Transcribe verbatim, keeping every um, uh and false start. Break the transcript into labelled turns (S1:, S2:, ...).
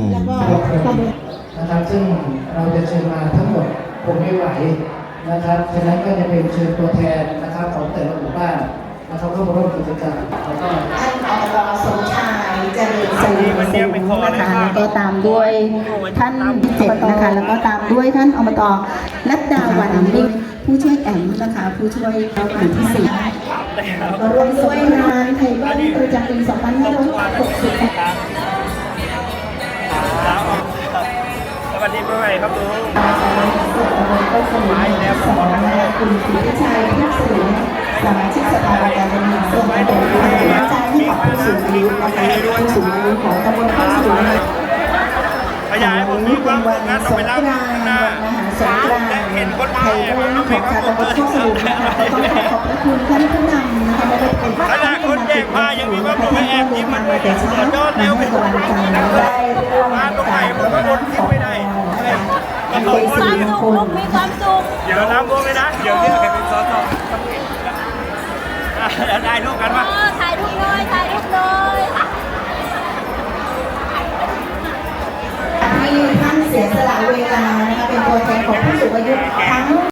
S1: แล้วก็ตำบลนะครับซึ่งเราจะเชิญมาทั้งหมดคงไม่ไหวนะครับฉะนั้นก็จะเป็นเชิญตัวแทนนะครับของแต่ละหมู่บ้านนะครับเข้ามาร่วมกิจกรรมแล้วก็
S2: ท่านอบตสมชายเจริญสุขนะคะแล้วก็ตามด้วยท่านเจ็ดนะคะแล้วก็ตามด้วยท่านอบตรัตดาวันนิ่งผู้ช่วยแอมนะคะผู้ช่วยเราหมู่ที่สี่มาร่วมด้วยงานไทยบ้านประจำปีสองพันห้าร้อยหกสิบ
S3: สวัสดีปีใหม่ครับลุง
S2: ก็สมุนแล้วสองคุณสุริชัยเทพศิริสมาชิกสภาการเงินส่วนประกอบการกระจายให้กับผู้สูงอายุนะคะผู้สูงอายุของตำบลข้าวสูง
S3: ขยายผมมีความสุขนะต้องไปรับนะ
S2: สงกรานต์ไทยบ้านของชาวตำบลข้าวสูงนะคะต้องขอขอบพระคุณท่านผู้นำนะคะไม่ได้เป็น
S3: ขนาดคนแจกผ้ายังมีความสุขแอบยิ้มมัน
S2: แต่เช้า
S3: จอดเร็วไปทุกคน
S2: ได้ร่วม
S3: มาตรงไหนผมก็อดยิ้มไม่ได้
S2: มีความสุข
S4: มีความสุข
S3: เดี๋ยวน้ำบวมเลยนะเดี๋ยวที่เราเป็นซอสได้รูปกันปะ
S4: ถ่ายรูปหน่อยถ่